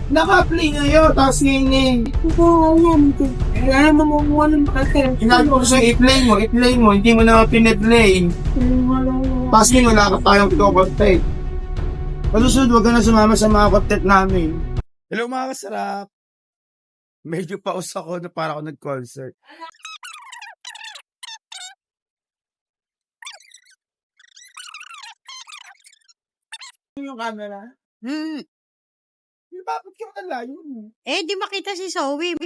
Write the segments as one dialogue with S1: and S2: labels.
S1: Naka-play ngayon, tapos ngayon eh.
S2: Oo, alam ko. Kaya mamuha ng kasi.
S1: Inabi ko sa'yo, i-play mo, hindi mo na piniplay. Tapos ngayon, wala ka tayong content. Palusunod, huwag ka na sumama sa mga content namin. Hello mga kasarap! Medyo paus ako na para ako nag-concert. Yung camera? Bakit ka malayo?
S2: Eh, di makita si Zoe.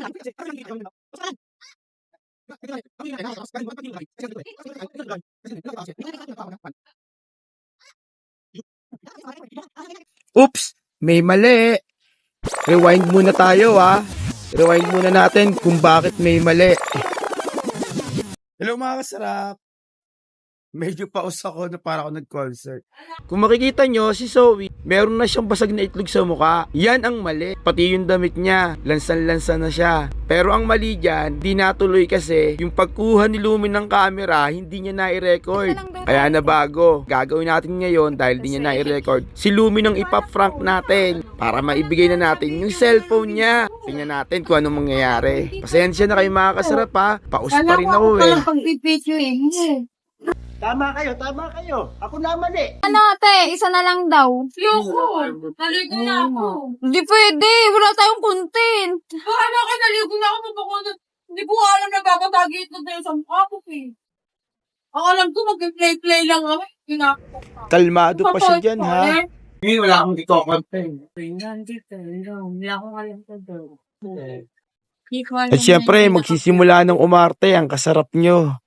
S1: Oops! May mali! Rewind muna tayo Rewind muna natin kung bakit may mali. Hello mga kasarap! Medyo paus ako na para ako nag-concert. Kung makikita nyo, si Zoe, meron na siyang basag na itlog sa mukha. Yan ang mali. Pati yung damit niya, lansan-lansa na siya. Pero ang mali dyan, di natuloy kasi yung pagkuha ni Lumi ng camera, hindi niya na-i-record. Kaya na bago. Gagawin natin ngayon dahil di niya na-i-record. Si Lumi nang ipap-prank natin para maibigay na natin yung cellphone niya. Tingnan natin kung anong mangyayari. Pasensya na kayo mga kasarap Paus pa rin ako
S2: Walang pag-picture eh.
S3: Tama kayo. Ako na mali.
S2: Ano ate, isa na lang daw.
S4: Yoko! Naligo na ako.
S2: Hindi pwede, wala tayong content.
S4: Paano ka naligo na ako? Mabakunod. Hindi ko alam na bababagi ito tayo sa mukha ko eh. Ang alam ko, mag-play-play lang ako.
S1: Kalmado pa siya dyan Ngayon wala akong ito-content.
S2: Wala akong alam ko daw.
S1: At syempre, magsisimula ng umarte ang kasarap nyo.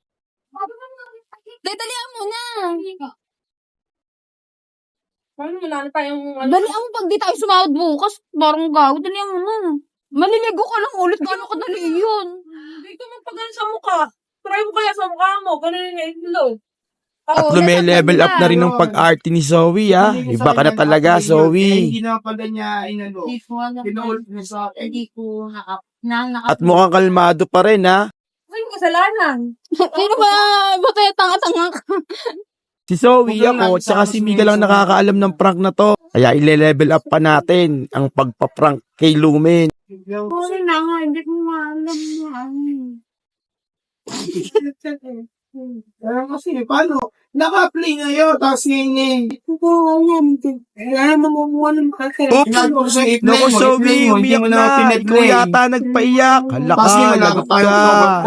S2: Dalian mo na.
S4: Paano wala na tayong
S2: Dalian mo pag di tayo sumahod bukas. Barang gaw, dalian mo na. Maliligo ka lang ulit. Gano'n kadali yun?
S4: Hindi ko magpagan sa mukha. Try mo kaya sa mukha mo. Ganun yung ilo.
S1: At lume-level up na rin ng pag-arte ni Zoe Iba ka na talaga, Zoe. Hindi na pala niya inano.
S2: Hindi ko alam.
S1: Pinuulit niya sa akin.
S2: Hindi ko
S1: At mukhang kalmado pa rin
S4: Ay, kasalanan.
S2: Ano ba? Ba't tayo tanga-tanga ka?
S1: Si Zoe ako, tsaka si Mika lang nakakaalam ng prank na to. Kaya ile-level up pa natin ang pagpa-prank kay Lumen.
S2: Sorry na nga, hindi ko maalam
S1: Kasi paano? Naka-play ngayon, tapos ngayon
S2: Oo, alam ko. Kaya mamuha ng kasi.
S1: Oops! Naku, Zoe, umiyak na. Ikaw yata nagpaiyak. Hala ka, lagot ka.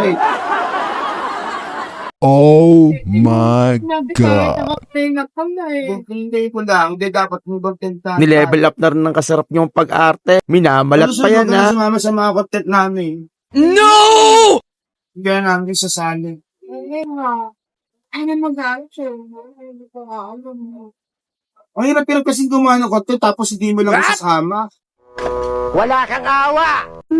S5: Oh my God.
S1: Hindi ko lang, hindi dapat mo bang tenta. Nilevel up na rin ng kasarap niyong pag-arte. Minamalat pa yan sumama sa mga content namin. No! Gaya namin sasali.
S2: Ano mag-aaral siya? Hindi ko alam.
S1: Ang hirap-hirap kasi gumawa ng content tapos hindi mo lang isasama.
S3: Wala kang awa.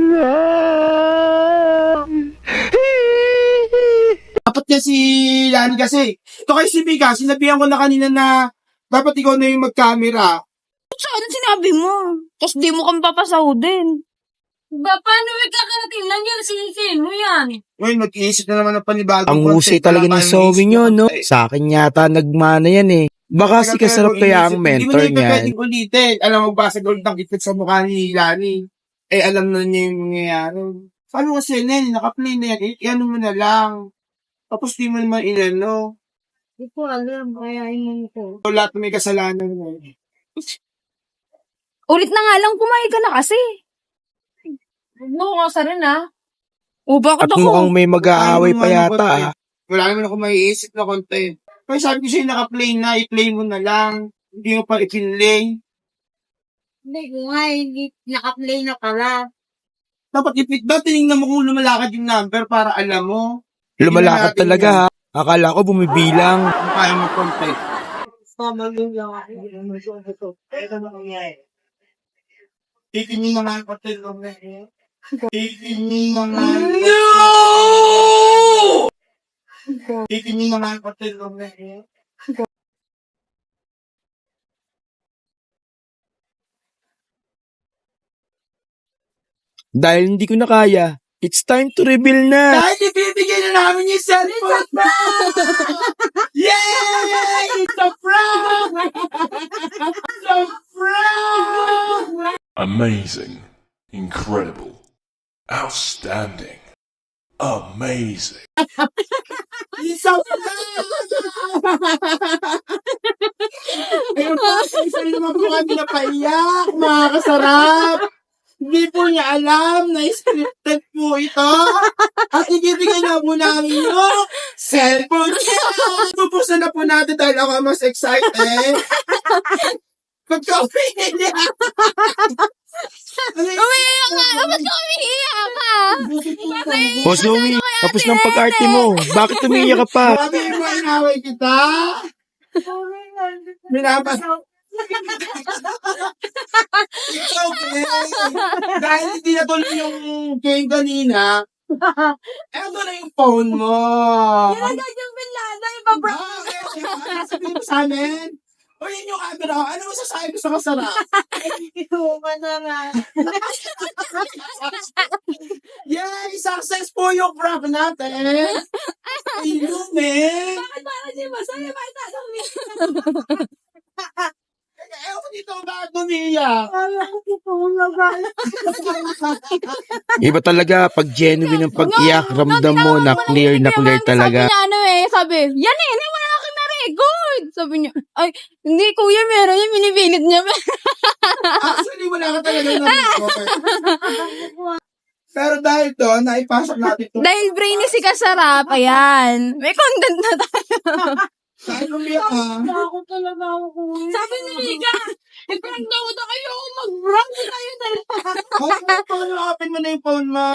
S1: Dapat niya si Lani kasi. Ito kay si Mika, sinabihan ko na kanina na dapat ikaw na yung mag-camera.
S2: Saan sinabi mo? Tapos di mo kami papasahudin.
S4: Paano may kakarating lang yan? Sino yan?
S1: Ngayon, mag-iisip na naman ng panibagong
S5: Ang husay talaga ng Zoe nyo, no? Sa akin yata nagmana yan Baka si kasarap kaya ang mentor
S1: niya. Hindi mo na
S5: niyan.
S1: pwedeng ulitin. Alam mo ba, sa gold ng itit sa mukha ni Lani, alam na niya yung mangyayari. Paano kasi, Nen, naka-play na yan, ano mo na lang. Tapos di mo naman inano.
S2: Hindi ko alam, kaya yun ko.
S1: So, lahat may kasalanan na
S2: Ulit na nga lang, kumain ka na kasi.
S4: No, sa rin
S2: O bakit
S5: At
S2: ako?
S5: mukhang may mag-aaway pa yata
S1: Wala naman ako maiisip na content. Kaya sabi ko sa'yo, naka-play na, i-play mo na lang. Hindi mo pa i-play.
S2: Hindi ko nga, hindi naka-play na pala.
S1: Dapat tinignan mo kung lumalakad yung number para alam mo.
S5: Lumalakad talaga Akala ko bumibilang.
S1: Kung kaya mo content. Titingin na nga yung content mo. Titingin na nga. No! Titingin na nga yung content mo.
S5: Dahil hindi ko na kaya, it's time to reveal na.
S1: Dahil ibibigay na namin yung cellphone mo! Yay! It's a prank! It's a prank!
S6: Amazing. Incredible. Outstanding. Amazing.
S1: Isang Ayun po, isa rin naman po kami napaiyak, mga kasarap. Hindi po niya alam na scripted po ito. At ibibigay na po namin yung cellphone niya. Pupusan na po natin dahil ako ang mas excited. Pagka-uwi niya.
S2: Umiiyak ka! Ba't ka umiiyak ka?
S5: O Zoe, tapos ng pag-arte mo. Bakit umiiyak ka pa?
S1: Sabi mo, inaway kita. Minabas. It's okay. Dahil hindi natuloy yung game kanina, eto na yung phone mo.
S4: Nilagay yung Binlada, ibabra.
S1: Sabihin mo sa amin. O yun yung camera. Ano masasabi mo sa kasarap? Yay! Success po yung prank natin. Ilumin.
S4: Bakit parang di masaya? Bakit tatanggit?
S1: Ewan ko dito bakit umiiyak.
S5: Iba talaga, pag genuine ang pag-iyak, ramdam mo na clear talaga.
S2: Sabi niya sabi, yan eh, wala ka na record. Sabi niya, ay, hindi kuya, meron yung minipilit niya.
S1: Actually, wala ka talaga na Pero dahil doon, naipasok natin ito.
S2: Dahil brainy si Kasarap, ayan. May content na tayo.
S1: Dahil umiyak ka.
S4: Ako talaga ako. Sabi ni Mika, i-prank daw na kayo. Mag-prank na tayo talaga.
S1: Paano open mo na yung phone mo?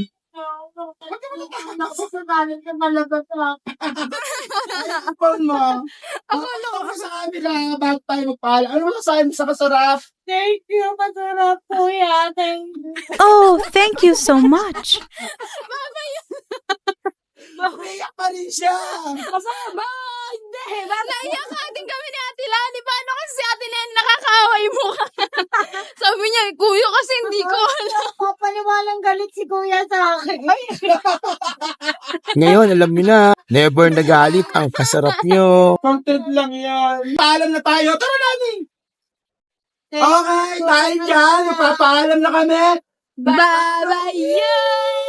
S4: Nakasagalit ka talaga sa
S1: Yung phone mo. Akala ko sa camera, bago tayo magpaalam. Ano masasabi mo sa kasarap?
S4: Thank you, masarap kuya. Thank you.
S7: Oh, thank you so much.
S1: Umiyak pa rin siya.
S2: Kasama, hindi. Naiyak ka din kami ni Ate Lani. Paano kasi si Ate Lani nakakaway mo ka? Sabi niya, kuya kasi hindi ko alam.
S4: Papaniwalang galit si kuya sa akin.
S5: Ngayon, alam niyo na, never nagalit ang kasarap nyo.
S1: Content lang yan. Paalam na tayo. Tara natin. Okay, dahil dyan, magpapaalam na kami.
S2: Bye-bye!